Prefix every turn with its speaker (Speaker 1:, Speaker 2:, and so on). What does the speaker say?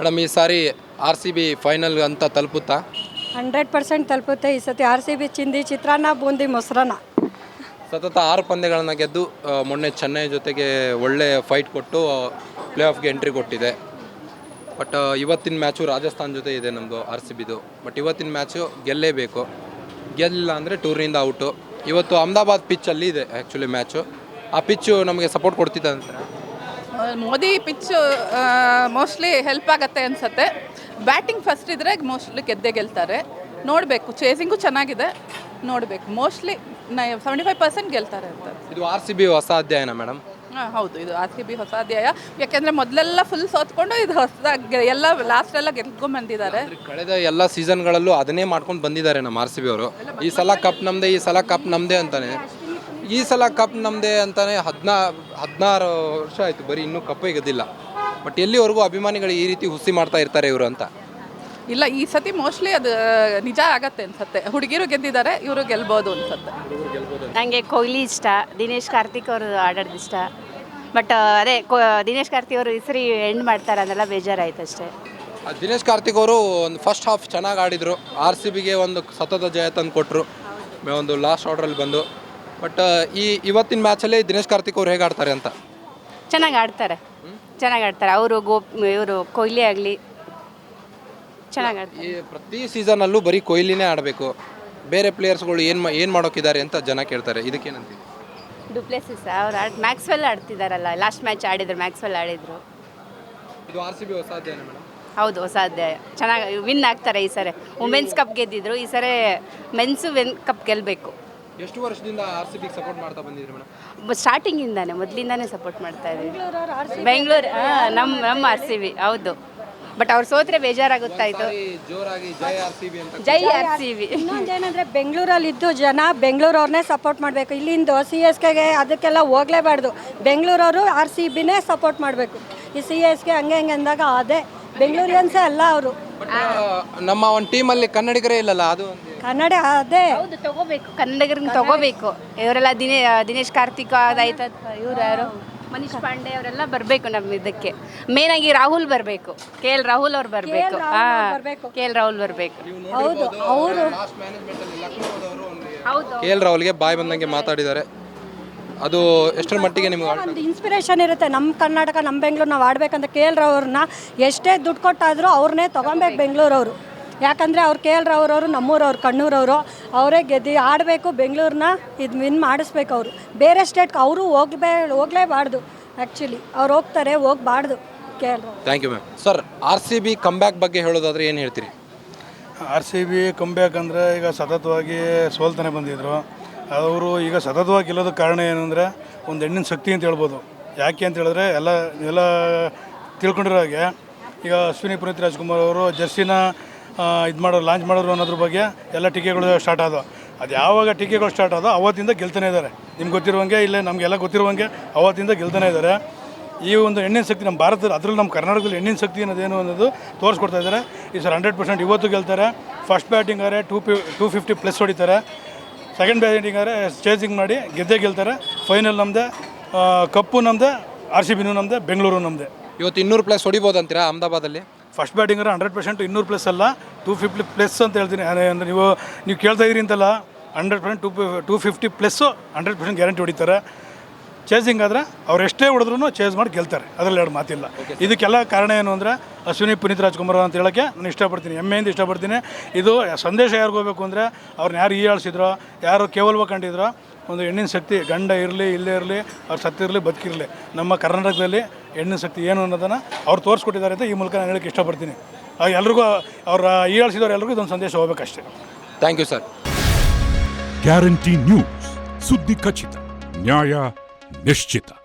Speaker 1: Madam ಈ ಸಾರಿ RCB final ಅಂತ ತಲುಪುತ್ತಾ?
Speaker 2: 100% ತಲುಪುತ್ತೆ. ಈ ಸತಿ RCB ಚಿಂದಿ ಚಿತ್ರಾನ್ನ ಬೂಂದಿ ಮೊಸರನ್ನ.
Speaker 1: ಸತತ 6 ಪಂದ್ಯಗಳನ್ನು ಗೆದ್ದು ಮೊನ್ನೆ ಚೆನ್ನೈ ಜೊತೆಗೆ ಒಳ್ಳೆ ಫೈಟ್ ಕೊಟ್ಟು ಪ್ಲೇ ಆಫ್ಗೆ ಎಂಟ್ರಿ ಕೊಟ್ಟಿದೆ. ಬಟ್ ಇವತ್ತಿನ ಮ್ಯಾಚು ರಾಜಸ್ಥಾನ್ ಜೊತೆ ಇದೆ ನಮ್ಮದು RCBದು. ಬಟ್ ಇವತ್ತಿನ ಮ್ಯಾಚು ಗೆಲ್ಲೇಬೇಕು. ಗೆಲ್ಲಿಲ್ಲ ಅಂದರೆ ಟೂರ್ನಿಂದ ಔಟು. ಇವತ್ತು ಅಹಮದಾಬಾದ್ ಪಿಚ್ಚಲ್ಲಿ ಇದೆ ಆ್ಯಕ್ಚುಲಿ ಮ್ಯಾಚು. ಆ ಪಿಚ್ಚು ನಮಗೆ ಸಪೋರ್ಟ್ ಕೊಡ್ತಿದ್ದ ಅಂತಾರೆ.
Speaker 3: ಮೋದಿ ಪಿಚ್ಚು ಮೋಸ್ಟ್ಲಿ ಹೆಲ್ಪ್ ಆಗುತ್ತೆ ಅನಿಸುತ್ತೆ. ಬ್ಯಾಟಿಂಗ್ ಫಸ್ಟ್ ಇದ್ದರೆ ಮೋಸ್ಟ್ಲಿ ಗೆಲ್ತಾರೆ. ನೋಡಬೇಕು, ಚೇಸಿಂಗು ಚೆನ್ನಾಗಿದೆ, ನೋಡಬೇಕು. ಮೋಸ್ಟ್ಲಿ 75% ಗೆಲ್ತಾರೆ ಅಂತ.
Speaker 1: ಇದು RCB ಹೊಸ ಅಧ್ಯಾಯನ ಮೇಡಮ್?
Speaker 3: ಹೌದು, ಇದು RCB ಹೊಸ ಅಧ್ಯಾಯ. ಯಾಕೆಂದರೆ ಮೊದಲೆಲ್ಲ ಫುಲ್ ಸೋತ್ಕೊಂಡು ಇದು ಹೊಸದಾಗಿ ಎಲ್ಲ ಲಾಸ್ಟೆಲ್ಲ ಗೆಲ್ಕೊಂಡ್ಬಂದಿದ್ದಾರೆ.
Speaker 1: ಕಳೆದ ಎಲ್ಲ ಸೀಸನ್ಗಳಲ್ಲೂ ಅದನ್ನೇ ಮಾಡ್ಕೊಂಡು ಬಂದಿದ್ದಾರೆ ನಮ್ಮ RCB ಅವರು. ಈ ಸಲ ಕಪ್ ನಮ್ಮದೇ, ಈ ಸಲ ಕಪ್ ನಮ್ಮದೇ ಅಂತಾನೆ. ಈ ಸಲ ಕಪ್ ನಮ್ಮದೇ ಅಂತಾನೆ 16 ವರ್ಷ ಆಯಿತು, ಬರೀ ಇನ್ನೂ ಕಪ್ಪೇ ಗೆದ್ದಿಲ್ಲ. ಬಟ್ ಎಲ್ಲಿವರೆಗೂ ಅಭಿಮಾನಿಗಳು ಈ ರೀತಿ ಹುಸಿ ಮಾಡ್ತಾ ಇರ್ತಾರೆ ಇವರು ಅಂತ?
Speaker 3: ಇಲ್ಲ, ಈ ಸತಿ ಮೋಸ್ಟ್ಲಿ ಅದು ನಿಜ ಆಗತ್ತೆ ಅನ್ಸುತ್ತೆ. ಹುಡುಗಿರು ಗೆದ್ದಿದ್ದಾರೆ, ಇವರು ಗೆಲ್ಬೋದು ಅನ್ಸುತ್ತೆ.
Speaker 4: ನನಗೆ ಕೊಹ್ಲಿ ಇಷ್ಟ, ದಿನೇಶ್ ಕಾರ್ತಿಕ್ ಅವರು ಆಡೋದು ಇಷ್ಟ. ಬಟ್ ಅದೇ ದಿನೇಶ್ ಕಾರ್ತಿಕ್ ಅವರು ಈ ಸರಿ ಎಂಡ್ ಮಾಡ್ತಾರೆ ಅದೆಲ್ಲ ಬೇಜಾರಾಯ್ತು ಅಷ್ಟೇ.
Speaker 1: ದಿನೇಶ್ ಕಾರ್ತಿಕ್ ಅವರು ಒಂದು ಫಸ್ಟ್ ಹಾಫ್ ಚೆನ್ನಾಗಿ ಆಡಿದರು. RCBಗೆ ಒಂದು ಸತತ ಜಯ ತಂದು ಕೊಟ್ಟರು ಒಂದು ಲಾಸ್ಟ್ ಆರ್ಡ್ರಲ್ಲಿ ಬಂದು. ಬಟ್ ಇವತ್ತಿನ ಮ್ಯಾಚಲ್ಲಿ ದಿನೇಶ್ ಕಾರ್ತಿಕ್ ಅವರು ಹೇಗೆ ಆಡ್ತಾರೆ ಅಂತ?
Speaker 4: ಚೆನ್ನಾಗಿ ಆಡ್ತಾರೆ ಅವರು. ಇವರು ಕೊಹ್ಲಿ ಆಗಲಿ ಚೆನ್ನಾಗಿ ಆಡ್ತಾರೆ.
Speaker 1: ಈ ಪ್ರತಿ ಸೀಸನಲ್ಲೂ ಬರೀ ಕೊಹ್ಲಿನೇ ಆಡಬೇಕು, ಬೇರೆ ಪ್ಲೇಯರ್ಸ್ಗಳು ಏನು ಮಾಡೋಕ್ಕಿದ್ದಾರೆ ಅಂತ ಜನ ಕೇಳ್ತಾರೆ. ಇದಕ್ಕೇನಂತೀವಿ?
Speaker 4: ಡುಪ್ಲೆಸಿಸ್ ಅವ್ರು ಮ್ಯಾಕ್ಸ್ವೆಲ್ ಆಡ್ತಿದ್ದಾರಲ್ಲ, ಲಾಸ್ಟ್ ಮ್ಯಾಚ್ ಆಡಿದ್ರು, ಮ್ಯಾಕ್ಸ್ವೆಲ್ ಆಡಿದ್ರು.
Speaker 1: ಇದು RCB ಹೊಸ ಅಧ್ಯಾಯ ಮೇಡಮ್?
Speaker 4: ಹೌದು, ಹೊಸ ಅಧ್ಯಾಯ. ಚೆನ್ನಾಗಿ ವಿನ್ ಆಗ್ತಾರೆ ಈ ಸರಿ. ವುಮೆನ್ಸ್ ಕಪ್ ಗೆದ್ದಿದ್ರು, ಈ ಸರಿ ಮೆನ್ಸು ಕಪ್ ಗೆಲ್ಲಬೇಕು.
Speaker 1: ಎಷ್ಟು ವರ್ಷದಿಂದ RCBಗೆ ಸಪೋರ್ಟ್ ಮಾಡ್ತಾ ಬಂದಿದ್ರಿ ಮೇಡಮ್?
Speaker 4: ಸ್ಟಾರ್ಟಿಂಗಿಂದಾನೆ, ಮೊದಲಿಂದಾನೇ ಸಪೋರ್ಟ್ ಮಾಡ್ತಾ ಇದ್ದೀವಿ. ಬೆಂಗಳೂರು ನಮ್ಮ RCB ಹೌದು. ಬಟ್ ಅವ್ರು ಸೋತ್ರೆ ಬೇಜಾರಾಗುತ್ತಾಯಿತು.
Speaker 1: ಜೋರಾಗಿ ಜೈ RCB ಅಂತ.
Speaker 4: ಜೈ RCB.
Speaker 2: ಇನ್ನೊಂದೇನಂದರೆ ಬೆಂಗಳೂರಲ್ಲಿದ್ದು ಜನ ಬೆಂಗಳೂರವ್ರನ್ನೇ ಸಪೋರ್ಟ್ ಮಾಡಬೇಕು. ಇಲ್ಲಿಂದ CSKಗೆ ಅದಕ್ಕೆಲ್ಲ ಹೋಗಲೇಬಾರ್ದು. ಬೆಂಗಳೂರವರು RCBನೇ ಸಪೋರ್ಟ್ ಮಾಡಬೇಕು. ಈ CSK ಹಂಗೆ ಅಂದಾಗ ಅದೇ ಬೆಂಗಳೂರಿಯನ್ಸೇ ಅಲ್ಲ ಅವರು.
Speaker 1: ನಮ್ಮ ಒಂದು ಟೀಮಲ್ಲಿ ಕನ್ನಡಿಗರೇ ಇಲ್ಲಲ್ಲ, ಅದು
Speaker 2: ಕನ್ನಡ ಅದೇ.
Speaker 4: ಹೌದು, ತಗೋಬೇಕು, ಕನ್ನಡಿಗರನ್ನ ತಗೋಬೇಕು. ಇವರೆಲ್ಲ ದಿನೇಶ್ ಕಾರ್ತಿಕ್ ಅದಾಯ್ತು, ಇವ್ರು ಯಾರು ಮನೀಶ್ ಪಾಂಡೆ ಅವರೆಲ್ಲ ಬರಬೇಕು ನಮ್ಮ ಇದಕ್ಕೆ. ಮೇನ್ ಆಗಿ ರಾಹುಲ್ ಬರಬೇಕು, KL ರಾಹುಲ್ ಅವ್ರು ಬರಬೇಕು. KL ರಾಹುಲ್ ಬರಬೇಕು.
Speaker 2: ಹೌದು, ಅವರು
Speaker 4: ಹೌದು.
Speaker 1: KL ರಾಹುಲ್ಗೆ ಬಾಯ್ ಬಂದಂಗೆ ಮಾತಾಡಿದ್ದಾರೆ. ಅದು ಎಷ್ಟರ ಮಟ್ಟಿಗೆ ನಿಮ್ಗೆ
Speaker 2: ಒಂದು ಇನ್ಸ್ಪಿರೇಷನ್ ಇರುತ್ತೆ. ನಮ್ಮ ಕರ್ನಾಟಕ, ನಮ್ಮ ಬೆಂಗಳೂರು ನಾವು ಆಡ್ಬೇಕಂತ KL ರಾವ್ರನ್ನ ಎಷ್ಟೇ ದುಡ್ಡು ಕೊಟ್ಟಾದರೂ ಅವ್ರನ್ನೇ ತೊಗೊಬೇಕು ಬೆಂಗಳೂರವರು. ಯಾಕಂದರೆ ಅವ್ರು KL ರಾವ್ರವರು ನಮ್ಮೂರವ್ರು, ಕಣ್ಣೂರವರು. ಅವರೇ ಗೆದ್ದು ಆಡಬೇಕು, ಬೆಂಗಳೂರನ್ನ ಇದು ವಿನ್ ಮಾಡಿಸ್ಬೇಕು. ಅವರು ಬೇರೆ ಸ್ಟೇಟ್ಗೆ ಅವರು ಹೋಗಲೇಬಾರ್ದು. ಆ್ಯಕ್ಚುಲಿ ಅವ್ರು ಹೋಗಬಾರ್ದು KL Rao.
Speaker 1: Thank you ma'am. Sir, RCB comeback ಬಗ್ಗೆ ಹೇಳೋದಾದ್ರೆ ಏನು ಹೇಳ್ತೀರಿ?
Speaker 5: RCB ಕಂಬ್ಯಾಕ್ ಅಂದರೆ ಈಗ ಸತತವಾಗಿ ಸೋಲ್ತಾನೆ ಬಂದಿದ್ದರು. ಅವರು ಈಗ ಸತತವಾಗಿ ಗೆಲ್ಲೋದಕ್ಕೆ ಕಾರಣ ಏನು ಅಂದರೆ ಒಂದು ಹೆಣ್ಣಿನ ಶಕ್ತಿ ಅಂತ ಹೇಳ್ಬೋದು. ಯಾಕೆ ಅಂತ ಹೇಳಿದ್ರೆ ಎಲ್ಲ ತಿಳ್ಕೊಂಡಿರೋ ಹಾಗೆ ಈಗ ಅಶ್ವಿನಿ ಪುನೀತ್ ರಾಜ್ಕುಮಾರ್ ಅವರು ಜರ್ಸಿನ ಲಾಂಚ್ ಮಾಡೋರು ಅನ್ನೋದ್ರ ಬಗ್ಗೆ ಎಲ್ಲ ಟೀಕೆಗಳು ಸ್ಟಾರ್ಟ್ ಆದವು. ಅದು ಯಾವಾಗ ಟೀಕೆಗಳು ಸ್ಟಾರ್ಟ್ ಆದೋ ಅವತ್ತಿಂದ ಗೆಲ್ತಾನೆ ಇದ್ದಾರೆ. ನಿಮ್ಗೆ ಗೊತ್ತಿರುವಂಗೆ, ಇಲ್ಲೇ ನಮಗೆಲ್ಲ ಗೊತ್ತಿರುವಂಗೆ ಅವತ್ತಿಂದ ಗೆಲ್ತಾನೆ ಇದ್ದಾರೆ. ಈ ಒಂದು ಹೆಣ್ಣಿನ ಶಕ್ತಿ ನಮ್ಮ ಭಾರತದಲ್ಲಿ, ಅದರಲ್ಲಿ ನಮ್ಮ ಕರ್ನಾಟಕದಲ್ಲಿ ಹೆಣ್ಣಿನ ಶಕ್ತಿ ಅನ್ನೋದೇನು ಅನ್ನೋದು ತೋರಿಸ್ಕೊಡ್ತಾ ಇದ್ದಾರೆ. ಈ ಸರ್ 100% ಇವತ್ತು ಗೆಲ್ತಾರೆ. ಫಸ್ಟ್ ಬ್ಯಾಟಿಂಗ್ ಆದರೆ 250+ ಹೊಡಿತಾರೆ. ಸೆಕೆಂಡ್ ಬ್ಯಾಟಿಂಗ್ ಆದರೆ ಚೇಸಿಂಗ್ ಮಾಡಿ ಗೆಲ್ತಾರೆ. ಫೈನಲ್ ನಮ್ಮದೇ, ಕಪ್ಪು ನಮ್ಮದೇ, RCBನೂ ನಮ್ಮದೇ, ಬೆಂಗಳೂರು ನಮ್ಮದೇ.
Speaker 1: ಇವತ್ತು 200+ ಹೊಡಿಬೋದು ಅಂತೀರಾ ಅಹಮದಾಬಾದಲ್ಲಿ?
Speaker 5: ಫಸ್ಟ್ ಬ್ಯಾಟಿಂಗರ 100% 200+ ಅಲ್ಲ, 250+ ಅಂತ ಹೇಳ್ತೀನಿ. ಅಂದರೆ ನೀವು ಕೇಳ್ತಾ ಇದ್ದೀರಿ ಅಂತಲ್ಲ, 100% 250+ 100% ಗ್ಯಾರಂಟಿ ಹೊಡಿತಾರೆ. ಚೇಸಿಂಗ್ ಆದರೆ ಅವ್ರು ಎಷ್ಟೇ ಹೊಡೆದ್ರೂ ಚೇಸ್ ಮಾಡಿ ಗೆಲ್ತಾರೆ, ಅದರಲ್ಲಿ ಎರಡು ಮಾತಿಲ್ಲ. ಇದಕ್ಕೆಲ್ಲ ಕಾರಣ ಏನು ಅಂದರೆ ಅಶ್ವಿನಿ ಪುನೀತ್ ರಾಜ್ಕುಮಾರ್ ಅಂತ ಹೇಳೋಕ್ಕೆ ನಾನು ಇಷ್ಟಪಡ್ತೀನಿ, ಹೆಮ್ಮೆಯಿಂದ ಇಷ್ಟಪಡ್ತೀನಿ. ಇದು ಸಂದೇಶ ಯಾರಿಗೂ ಹೋಗಬೇಕು ಅಂದರೆ ಅವ್ರನ್ನ ಯಾರು ಹೀಯಾಳಿಸಿದ್ರೋ, ಯಾರು ಕೇವಲ ಕಂಡಿದ್ರೋ, ಒಂದು ಹೆಣ್ಣಿನ ಶಕ್ತಿ ಗಂಡ ಇರಲಿ ಇಲ್ಲೇ ಇರಲಿ, ಅವ್ರು ಸತ್ತಿರಲಿ ಬದುಕಿರಲಿ, ನಮ್ಮ ಕರ್ನಾಟಕದಲ್ಲಿ ಹೆಣ್ಣಿನ ಶಕ್ತಿ ಏನು ಅನ್ನೋದನ್ನು ಅವ್ರು ತೋರಿಸ್ಕೊಟ್ಟಿದ್ದಾರೆ ಅಂತ ಈ ಮೂಲಕ ನಾನು ಹೇಳೋಕ್ಕೆ ಇಷ್ಟಪಡ್ತೀನಿ. ಎಲ್ರಿಗೂ ಅವ್ರ ಹೀಯಾಳಿಸಿದವ್ರು ಎಲ್ರಿಗೂ ಇದೊಂದು ಸಂದೇಶ ಹೋಗಬೇಕಷ್ಟೇ.
Speaker 1: Thank you sir.
Speaker 6: Guarantee news, ಸುದ್ದಿ ಖಚಿತ, ನ್ಯಾಯ ನಿಶ್ಚಿತ.